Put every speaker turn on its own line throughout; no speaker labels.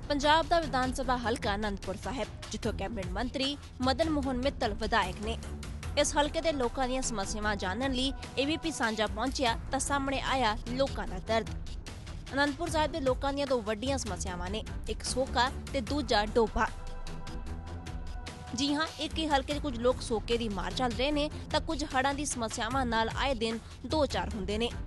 पंजाब का विधान सभा हलका आनंदपुर साहिब, जिथों कैबिनेट मंत्री मदन मोहन मित्तल विधायक ने। इस हलके के लोगों दी समस्यावां जानने लई एबीपी सांझा पहुंचिया तां सामने आया लोगों का दर्द। आनंदपुर साहिब के लोगों दी दो वड्डियां समस्यावां ने, एक सोका ते दूजा डोभा। जी हाँ, एक ही हलके दे कुछ लोग सोके दी मार चल रहे ने तां कुछ हड़ां दी समस्यावां नाल आए दिन दो चार हुंदे ने।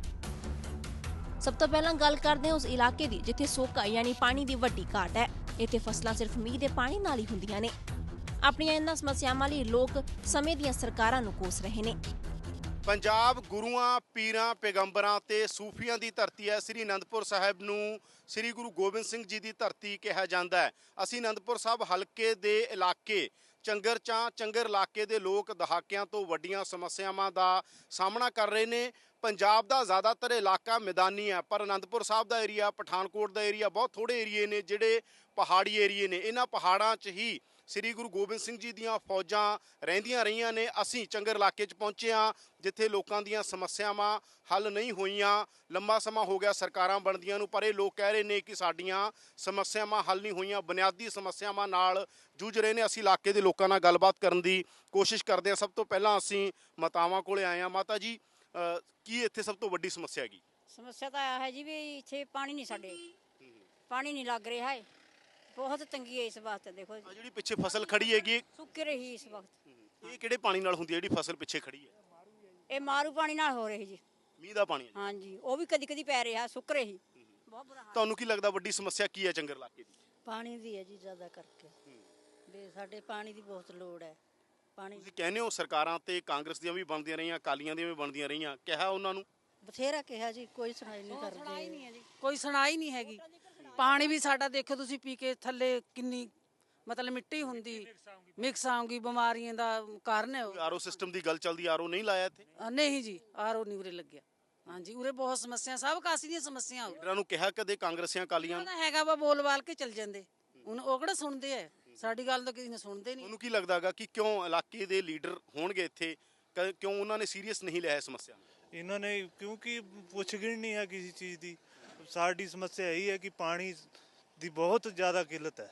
सब तो पहला गल करते हैं उस इलाके की जिथे सोका यानी पानी की वड्डी घाट है। इत्थे फसलां सिर्फ मीह के पानी नाल ही हुंदियां ने। अपनियां इन्हां समस्यावां लई लोग समय दीयां सरकारां नूं कोस रहे ने।
पंजाब गुरुआं पीरां पैगंबरां ते सूफियां दी धरती है। श्री आनंदपुर साहिब नूं श्री गुरु गोबिंद सिंह जी दी धरती कहा जांदा है। असीं आनंदपुर साहिब हलके दे इलाके चंगर इलाके दे लोग दहाकिਆਂ ਤੋਂ ਵੱਡੀਆਂ ਸਮੱਸਿਆਵਾਂ ਦਾ ਸਾਹਮਣਾ ਕਰ ਰਹੇ ਨੇ। पंजाब का ज़्यादातर इलाका मैदानी है, पर आनंदपुर साहब का एरिया, पठानकोट का एरिया बहुत थोड़े एरिए ने जिहड़े पहाड़ी एरिए ने। इन्हां पहाड़ां 'च ही श्री गुरु गोबिंद सिंह जी दीयां फौजां रहिंदियां रहियां ने। असीं चंगर इलाके 'च पहुंचे हाँ जिथे लोकां दीयां समस्यावां हल नहीं होईयां। लंबा समा हो गया सरकारां बनदियां नूं, पर ये लोग कह रहे ने कि साडीआं समस्यावां हल नहीं होईयां, बुनियादी समस्यावां नाल जूझ रहे ने। असीं इलाके दे लोकां नाल गलबात करन दी कोशिश करदे हां। सब तो पहलां असीं मातावां कोले आए हां। माता जी, की इत्थे सब तो वड्डी समस्या हैगी?
समस्या तो है जी भी इत्थे पानी नहीं, साडे पानी नहीं लग रहा है। बहुत तंगी है इस वक्त। देखो
जी पिछे फसल खड़ी हैगी,
सुक्क रही इस वक्त।
ये किहड़े पानी नाल हुंदी है जिहड़ी फसल पिछे खड़ी है?
ये मारू पानी नाल हो रही जी।
मीह दा पानी?
हाँ जी, वो भी कदी कदी पै रहा, सुक्क रही। बहुत बुरा हाल।
ਤੁਹਾਨੂੰ ਕੀ ਲੱਗਦਾ ਵੱਡੀ ਸਮੱਸਿਆ ਕੀ ਹੈ ਚੰਗਰ ਇਲਾਕੇ ਦੀ?
पानी दी है जी ज़्यादा करके भी साढ़े पानी की बहुत लोड़ है। पानी
ਤੁਸੀਂ ਕਹਿੰਦੇ ਹੋ ਸਰਕਾਰਾਂ ਤੇ ਕਾਂਗਰਸ ਦੀਆਂ ਵੀ ਬਣਦੀਆਂ ਰਹੀਆਂ, ਅਕਾਲੀਆਂ ਦੀਆਂ ਵੀ ਬਣਦੀਆਂ ਰਹੀਆਂ, ਕਿਹਾ ਉਹਨਾਂ ਨੂੰ?
बथेरा कहा जी, कोई सुनाई नहीं करते।
ਕੋਈ ਸੁਣਾਈ ਨਹੀਂ ਹੈਗੀ। ਪਾਣੀ ਵੀ ਸਾਡਾ ਦੇਖੋ ਤੁਸੀਂ ਪੀ ਕੇ ਥੱਲੇ ਕਿੰਨੀ ਮਤਲਬ ਮਿੱਟੀ ਹੁੰਦੀ, ਮਿਕਸ ਆਉਂਗੀ, ਬਿਮਾਰੀਆਂ ਦਾ ਕਾਰਨ ਹੈ ਉਹ।
ਆਰਓ ਸਿਸਟਮ ਦੀ ਗੱਲ ਚੱਲਦੀ, ਆਰਓ ਨਹੀਂ ਲਾਇਆ ਇੱਥੇ?
ਨਹੀਂ ਜੀ, ਆਰਓ ਨਹੀਂ ਉਰੇ ਲੱਗਿਆ। ਹਾਂਜੀ, ਉਰੇ ਬਹੁਤ ਸਮੱਸਿਆ, ਸਭ ਕਾਸੀ ਦੀਆਂ ਸਮੱਸਿਆ ਹੋ।
ਲੀਡਰਾਂ ਨੂੰ ਕਿਹਾ ਕਦੇ ਕਾਂਗਰਸੀਆਂ ਅਕਾਲੀਆਂ ਨੂੰ?
ਉਹਦਾ ਹੈਗਾ ਵਾ ਬੋਲ ਬਾਲ ਕੇ ਚੱਲ ਜਾਂਦੇ। ਹੁਣ ਉਹ ਕਿਹੜਾ ਸੁਣਦੇ ਐ ਸਾਡੀ ਗੱਲ, ਤਾਂ ਕਿਸੇ ਨੇ ਸੁਣਦੇ ਨਹੀਂ।
ਉਹਨੂੰ ਕੀ ਲੱਗਦਾਗਾ ਕਿ ਕਿਉਂ ਇਲਾਕੇ ਦੇ ਲੀਡਰ ਹੋਣਗੇ ਇੱਥੇ, ਕਿਉਂ ਉਹਨਾਂ ਨੇ ਸੀਰੀਅਸ ਨਹੀਂ ਲਿਆ ਇਸ ਸਮੱਸਿਆ ਨੂੰ?
इन्होंने क्योंकि पुछगिण नहीं है किसी चीज़ की। साड़ी समस्या यही है कि पानी की बहुत ज़्यादा किल्लत है,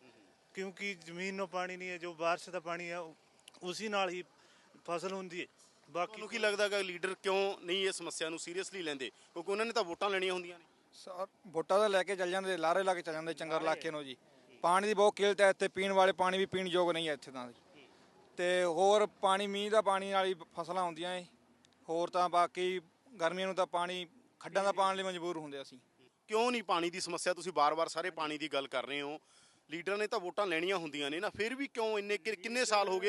क्योंकि ज़मीनों पानी नहीं है, जो बारिश का पानी है उसी नाल ही फसल होंदी है। बाकी
ਕੀ ਲੱਗਦਾਗਾ ਲੀਡਰ ਕਿਉਂ ਨਹੀਂ ਇਹ ਸਮੱਸਿਆ ਨੂੰ ਸੀਰੀਅਸਲੀ ਲੈਂਦੇ? ਕਿਉਂਕਿ ਉਹਨਾਂ ਨੇ ਤਾਂ ਵੋਟਾਂ ਲੈਣੀਆਂ ਹੁੰਦੀਆਂ ਨੇ।
ਵੋਟਾਂ ਤਾਂ ਲੈ ਕੇ ਚੱਲ ਜਾਂਦੇ, ਲਾਰੇ ਲਾ ਕੇ ਚੱਲ ਜਾਂਦੇ ਚੰਗਰ ਇਲਾਕੇ ਨੂੰ ਜੀ। ਪਾਣੀ ਦੀ ਬਹੁਤ ਕਿੱਲਤ ਹੈ ਇੱਥੇ, ਪੀਣ ਵਾਲੇ ਪਾਣੀ ਵੀ ਪੀਣ ਯੋਗ ਨਹੀਂ ਹੈ ਇੱਥੇ ਤਾਂ। ਤੇ ਹੋਰ ਪਾਣੀ ਮੀਂਹ ਦਾ ਪਾਣੀ ਨਾਲ ਹੀ ਫਸਲਾਂ ਹੁੰਦੀਆਂ ਏ। ਹੋਰ ਤਾਂ ਬਾਕੀ ਗਰਮੀਆਂ ਨੂੰ ਤਾਂ ਪਾਣੀ ਖੱਡਾਂ ਦਾ ਪਾਣ ਲਈ ਮਜਬੂਰ ਹੁੰਦੇ ਅਸੀਂ।
ਕਿਉਂ ਨਹੀਂ ਪਾਣੀ ਦੀ ਸਮੱਸਿਆ? ਤੁਸੀਂ ਬਾਰ-ਬਾਰ ਸਾਰੇ ਪਾਣੀ ਦੀ ਗੱਲ ਕਰ ਰਹੇ ਹੋ। ਲੀਡਰ ਨੇ ਤਾਂ ਵੋਟਾਂ ਲੈਣੀਆਂ ਹੁੰਦੀਆਂ ਨੇ ਨਾ, ਫਿਰ ਵੀ ਕਿਉਂ ਇੰਨੇ ਕਿੰਨੇ ਸਾਲ ਹੋ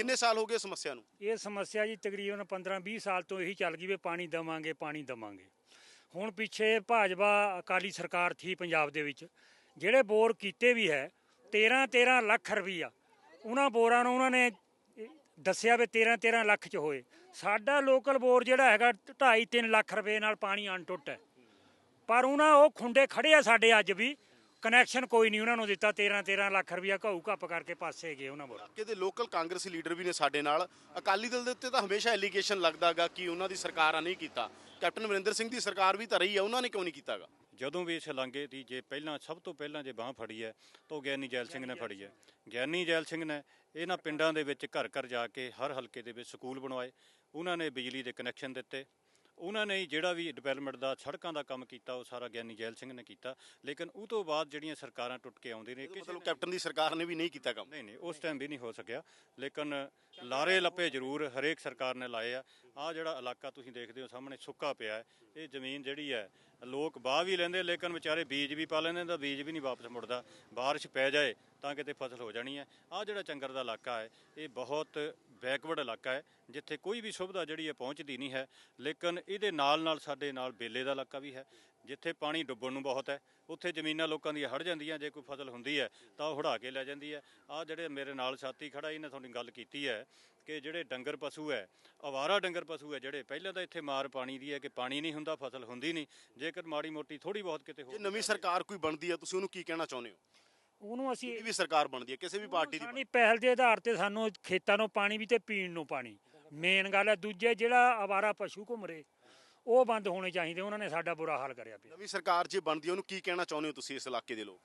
ਗਏ ਸਮੱਸਿਆ ਨੂੰ?
ਇਹ ਸਮੱਸਿਆ ਜੀ ਤਕਰੀਬਨ 15-20 ਸਾਲ ਤੋਂ ਇਹੀ ਚੱਲ ਗਈ ਵੀ ਪਾਣੀ ਦੇਵਾਂਗੇ, ਪਾਣੀ ਦੇਵਾਂਗੇ। ਹੁਣ ਪਿੱਛੇ ਭਾਜਪਾ ਅਕਾਲੀ ਸਰਕਾਰ ਥੀ ਪੰਜਾਬ ਦੇ ਵਿੱਚ, ਜਿਹੜੇ ਬੋਰ ਕੀਤੇ ਵੀ ਹੈ 13-13 ਲੱਖ ਰੁਪਈਆ ਉਹਨਾਂ ਬੋਰਾਂ ਨੂੰ ਉਹਨਾਂ ਨੇ ਦੱਸਿਆ ਵੀ 13-13 ਲੱਖ 'ਚ ਹੋਏ। ਸਾਡਾ ਲੋਕਲ ਬੋਰ ਜਿਹੜਾ ਹੈਗਾ 2.5-3 ਲੱਖ ਰੁਪਏ ਨਾਲ ਪਾਣੀ ਅਣਟੁੱਟ ਹੈ, ਪਰ ਉਹਨਾਂ ਉਹ ਖੁੰਡੇ ਖੜੇ ਆ ਸਾਡੇ ਅੱਜ ਵੀ, ਕਨੈਕਸ਼ਨ ਕੋਈ ਨਹੀਂ ਉਹਨਾਂ ਨੂੰ ਦਿੱਤਾ। 13-13 ਲੱਖ ਰੁਪਇਆ ਘਾਊ ਘੱਪ ਕਰਕੇ ਪਾਸੇ ਗਏ ਉਹਨਾਂ ਬੋਰ।
ਕਿਤੇ ਲੋਕਲ ਕਾਂਗਰਸੀ ਲੀਡਰ ਵੀ ਨੇ ਸਾਡੇ ਨਾਲ। ਅਕਾਲੀ ਦਲ ਦੇ ਉੱਤੇ ਤਾਂ ਹਮੇਸ਼ਾ ਐਲੀਗੇਸ਼ਨ ਲੱਗਦਾਗਾ ਕਿ ਉਹਨਾਂ ਦੀ ਸਰਕਾਰਾਂ ਨਹੀਂ ਕੀਤਾ। ਕੈਪਟਨ ਅਮਰਿੰਦਰ ਸਿੰਘ ਦੀ ਸਰਕਾਰ ਵੀ ਤਾਂ ਰਹੀ ਹੈ, ਉਹਨਾਂ ਨੇ ਕਿਉਂ ਨਹੀਂ ਕੀਤਾਗਾ?
ਜਦੋਂ ਵੀ ਇਸ ਲਾਂਘੇ ਦੀ ਜੇ ਪਹਿਲਾਂ ਸਭ ਤੋਂ ਪਹਿਲਾਂ ਜੇ ਬਾਂਹ ਫੜੀ ਹੈ ਤਾਂ ਉਹ ਗਿਆਨੀ ਜੈਲ ਸਿੰਘ ਨੇ ਫੜੀ ਹੈ। ਗਿਆਨੀ ਜੈਲ ਸਿੰਘ ਨੇ ਇਹਨਾਂ ਪਿੰਡਾਂ ਦੇ ਵਿੱਚ ਘਰ ਘਰ ਜਾ ਕੇ ਹਰ ਹਲਕੇ ਦੇ ਵਿੱਚ ਸਕੂਲ ਬਣਵਾਏ, ਉਹਨਾਂ ਨੇ ਬਿਜਲੀ ਦੇ ਕਨੈਕਸ਼ਨ ਦਿੱਤੇ, ਉਹਨਾਂ ਨੇ ਜਿਹੜਾ ਵੀ ਡਿਵੈਲਪਮੈਂਟ ਦਾ ਸੜਕਾਂ ਦਾ ਕੰਮ ਕੀਤਾ ਉਹ ਸਾਰਾ ਗਿਆਨੀ ਜੈਲ ਸਿੰਘ ਨੇ ਕੀਤਾ। ਲੇਕਿਨ ਉਹ ਤੋਂ ਬਾਅਦ ਜਿਹੜੀਆਂ ਸਰਕਾਰਾਂ ਟੁੱਟ ਕੇ ਆਉਂਦੀਆਂ ਨੇ,
ਮਤਲਬ ਕੈਪਟਨ ਦੀ ਸਰਕਾਰ ਨੇ ਵੀ ਨਹੀਂ ਕੀਤਾ ਕੰਮ?
ਨਹੀਂ, ਉਸ ਟਾਈਮ ਵੀ ਨਹੀਂ ਹੋ ਸਕਿਆ, ਲੇਕਿਨ ਲਾਰੇ ਲੱਪੇ ਜ਼ਰੂਰ ਹਰੇਕ ਸਰਕਾਰ ਨੇ ਲਾਏ ਆ। ਆਹ ਜਿਹੜਾ ਇਲਾਕਾ ਤੁਸੀਂ ਦੇਖਦੇ ਹੋ ਸਾਹਮਣੇ ਸੁੱਕਾ ਪਿਆ ਹੈ, ਇਹ ਜ਼ਮੀਨ ਜਿਹੜੀ ਹੈ ਲੋਕ ਵਾਹ ਵੀ ਲੈਂਦੇ, ਲੇਕਿਨ ਵਿਚਾਰੇ ਬੀਜ ਵੀ ਪਾ ਲੈਂਦੇ ਤਾਂ ਬੀਜ ਵੀ ਨਹੀਂ ਵਾਪਸ ਮੁੜਦਾ। ਬਾਰਿਸ਼ ਪੈ ਜਾਏ ਤਾਂ ਕਿਤੇ ਫਸਲ ਹੋ ਜਾਣੀ ਹੈ। ਆਹ ਜਿਹੜਾ ਚੰਗਰ ਦਾ ਇਲਾਕਾ ਹੈ ਇਹ ਬਹੁਤ ਬੈਕਵਰਡ ਇਲਾਕਾ ਹੈ, ਜਿੱਥੇ ਕੋਈ ਵੀ ਸੁਵਿਧਾ ਜਿਹੜੀ ਹੈ ਪਹੁੰਚਦੀ ਨਹੀਂ ਹੈ। ਲੇਕਿਨ ਇਹਦੇ ਨਾਲ ਸਾਡੇ ਨਾਲ ਬੇਲੇ ਦਾ ਇਲਾਕਾ ਵੀ ਹੈ, ਜਿੱਥੇ ਪਾਣੀ ਡੁੱਬਣ ਨੂੰ ਬਹੁਤ ਹੈ। ਉੱਥੇ ਜ਼ਮੀਨਾਂ ਲੋਕਾਂ ਦੀਆਂ ਹੜ ਜਾਂਦੀਆਂ, ਜੇ ਕੋਈ ਫਸਲ ਹੁੰਦੀ ਹੈ ਤਾਂ ਉਹ ਹੜਾ ਕੇ ਲੈ ਜਾਂਦੀ ਹੈ। ਆਹ ਜਿਹੜੇ ਮੇਰੇ ਨਾਲ ਸਾਥੀ ਖੜਾ ਇਹਨੇ ਤੁਹਾਨੂੰ ਗੱਲ ਕੀਤੀ ਹੈ ਕਿ ਜਿਹੜੇ ਡੰਗਰ ਪਸ਼ੂ ਹੈ, ਅਵਾਰਾ ਡੰਗਰ ਪਸ਼ੂ ਹੈ ਜਿਹੜੇ, ਪਹਿਲਾਂ ਤਾਂ ਇੱਥੇ ਮਾਰ ਪਾਣੀ ਦੀ ਹੈ ਕਿ ਪਾਣੀ ਨਹੀਂ ਹੁੰਦਾ, ਫਸਲ ਹੁੰਦੀ ਨਹੀਂ। ਜੇਕਰ ਮਾੜੀ ਮੋਟੀ ਥੋੜੀ ਬਹੁਤ ਕਿਤੇ ਹੋ,
ਜੇ ਨਵੀਂ ਸਰਕਾਰ ਕੋਈ ਬਣਦੀ ਹੈ ਤੁਸੀਂ ਉਹਨੂੰ ਕੀ ਕਹਿਣਾ ਚਾਹੁੰਦੇ ਹੋ?
ਉਹਨੂੰ ਅਸੀਂ
ਵੀ ਸਰਕਾਰ ਬਣਦੀ ਹੈ ਕਿਸੇ ਵੀ ਪਾਰਟੀ ਦੀ,
ਪਾਣੀ ਪਹਿਲ ਦੇ ਆਧਾਰ ਤੇ ਸਾਨੂੰ ਖੇਤਾਂ ਨੂੰ ਪਾਣੀ ਵੀ ਤੇ ਪੀਣ ਨੂੰ ਪਾਣੀ ਮੇਨ ਗੱਲ ਹੈ। ਦੂਜੇ ਜਿਹੜਾ ਅਵਾਰਾ ਪਸ਼ੂ ਘੁੰਮ ਰਹੇ ਉਹ ਬੰਦ ਹੋਣੇ ਚਾਹੀਦੇ, ਉਹਨਾਂ ਨੇ ਸਾਡਾ ਬੁਰਾ ਹਾਲ ਕਰਿਆ ਪਿਆ।
ਨਵੀਂ ਸਰਕਾਰ ਜੇ ਬਣਦੀ ਉਹਨੂੰ ਕੀ ਕਹਿਣਾ ਚਾਹੁੰਦੇ ਹੋ ਤੁਸੀਂ ਇਸ ਇਲਾਕੇ ਦੇ ਲੋਕ?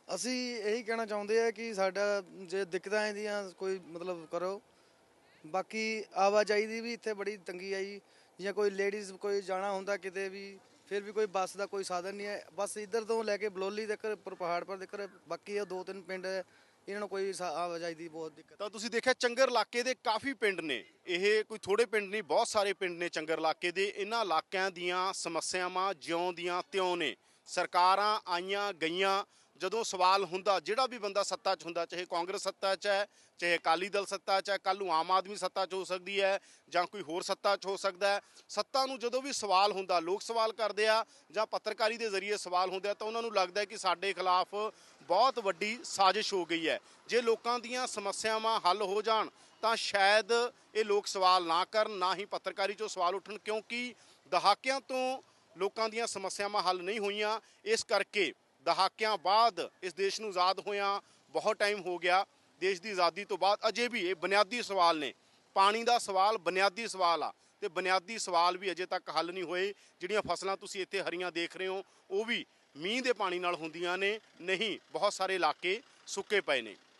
ਅਸੀਂ ਇਹੀ ਕਹਿਣਾ ਚਾਹੁੰਦੇ ਆ ਕਿ ਸਾਡਾ ਜੇ ਦਿੱਕਤਾਂ ਇਹਦੀਆਂ ਕੋਈ ਮਤਲਬ ਕਰੋ। ਬਾਕੀ ਆਵਾਜਾਈ ਦੀ ਵੀ ਇੱਥੇ ਬੜੀ ਤੰਗੀ ਆਈ, ਜਾਂ ਕੋਈ ਲੇਡੀਜ਼ ਕੋਈ ਜਾਣਾ ਹੁੰਦਾ ਕਿਤੇ ਵੀ, ਫਿਰ ਵੀ ਕੋਈ ਬੱਸ ਦਾ ਕੋਈ ਸਾਧਨ ਨਹੀਂ ਹੈ। ਬਸ ਇੱਧਰ ਤੋਂ ਲੈ ਕੇ ਬਲੋਲੀ ਤੱਕ ਪਹਾੜ ਪਰ ਤੱਕ, ਬਾਕੀ ਇਹ 2-3 ਪਿੰਡ ਹੈ, ਇਹਨਾਂ ਨੂੰ ਕੋਈ ਆਵਾਜਾਈ ਦੀ ਬਹੁਤ ਦਿੱਕਤ।
ਤਾਂ ਤੁਸੀਂ ਦੇਖਿਆ ਚੰਗਰ ਇਲਾਕੇ ਦੇ ਕਾਫੀ ਪਿੰਡ ਨੇ, ਇਹ ਕੋਈ ਥੋੜੇ ਪਿੰਡ ਨਹੀਂ, ਬਹੁਤ ਸਾਰੇ ਪਿੰਡ ਨੇ ਚੰਗਰ ਇਲਾਕੇ ਦੇ। ਇਹਨਾਂ ਇਲਾਕਿਆਂ ਦੀਆਂ ਸਮੱਸਿਆਵਾਂ ਜਿਉਂ ਦੀਆਂ ਤਿਉਂ ਨੇ। ਸਰਕਾਰਾਂ ਆਈਆਂ ਗਈਆਂ, ਜਦੋਂ ਸਵਾਲ ਹੁੰਦਾ, ਜਿਹੜਾ ਵੀ ਬੰਦਾ ਸੱਤਾ 'ਚ ਹੁੰਦਾ, ਚਾਹੇ ਕਾਂਗਰਸ ਸੱਤਾ 'ਚ ਹੈ, ਚਾਹੇ ਅਕਾਲੀ ਦਲ ਸੱਤਾ 'ਚ ਹੈ, ਕੱਲ੍ਹ ਨੂੰ ਆਮ ਆਦਮੀ ਸੱਤਾ 'ਚ ਹੋ ਸਕਦੀ ਹੈ ਜਾਂ ਕੋਈ ਹੋਰ ਸੱਤਾ 'ਚ ਹੋ ਸਕਦਾ ਹੈ। ਸੱਤਾ ਨੂੰ ਜਦੋਂ ਵੀ ਸਵਾਲ ਹੁੰਦਾ, ਲੋਕ ਸਵਾਲ ਕਰਦੇ ਆ ਜਾਂ ਪੱਤਰਕਾਰੀ ਦੇ ਜ਼ਰੀਏ ਸਵਾਲ ਹੁੰਦੇ ਆ, ਤਾਂ ਉਹਨਾਂ ਨੂੰ ਲੱਗਦਾ ਹੈ ਕਿ ਸਾਡੇ ਖਿਲਾਫ ਬਹੁਤ ਵੱਡੀ ਸਾਜ਼ਿਸ਼ ਹੋ ਗਈ ਹੈ। ਜੇ ਲੋਕਾਂ ਦੀਆਂ ਸਮੱਸਿਆਵਾਂ ਹੱਲ ਹੋ ਜਾਣ ਤਾਂ ਸ਼ਾਇਦ ਇਹ ਲੋਕ ਸਵਾਲ ਨਾ ਕਰਨ, ਨਾ ਹੀ ਪੱਤਰਕਾਰੀ 'ਚੋਂ ਸਵਾਲ ਉੱਠਣ, ਕਿਉਂਕਿ ਦਹਾਕਿਆਂ ਤੋਂ ਲੋਕਾਂ ਦੀਆਂ ਸਮੱਸਿਆਵਾਂ ਹੱਲ ਨਹੀਂ ਹੋਈਆਂ। ਇਸ ਕਰਕੇ ਦਹਾਕਿਆਂ ਬਾਅਦ ਇਸ ਦੇਸ਼ ਨੂੰ ਆਜ਼ਾਦ ਹੋਇਆਂ ਬਹੁਤ ਟਾਈਮ ਹੋ ਗਿਆ। ਦੇਸ਼ ਦੀ ਆਜ਼ਾਦੀ ਤੋਂ ਬਾਅਦ ਅਜੇ ਵੀ ਇਹ ਬੁਨਿਆਦੀ ਸਵਾਲ ਨੇ। ਪਾਣੀ ਦਾ ਸਵਾਲ ਬੁਨਿਆਦੀ ਸਵਾਲ ਆ, ਤੇ ਬੁਨਿਆਦੀ ਸਵਾਲ ਵੀ ਅਜੇ ਤੱਕ ਹੱਲ ਨਹੀਂ ਹੋਏ। ਜਿਹੜੀਆਂ ਫਸਲਾਂ ਤੁਸੀਂ ਇੱਥੇ ਹਰੀਆਂ ਦੇਖ ਰਹੇ ਹੋ, ਉਹ ਵੀ ਮੀਂਹ ਦੇ ਪਾਣੀ ਨਾਲ ਹੁੰਦੀਆਂ ਨੇ, ਨਹੀਂ ਬਹੁਤ ਸਾਰੇ ਇਲਾਕੇ ਸੁੱਕੇ ਪਏ ਨੇ।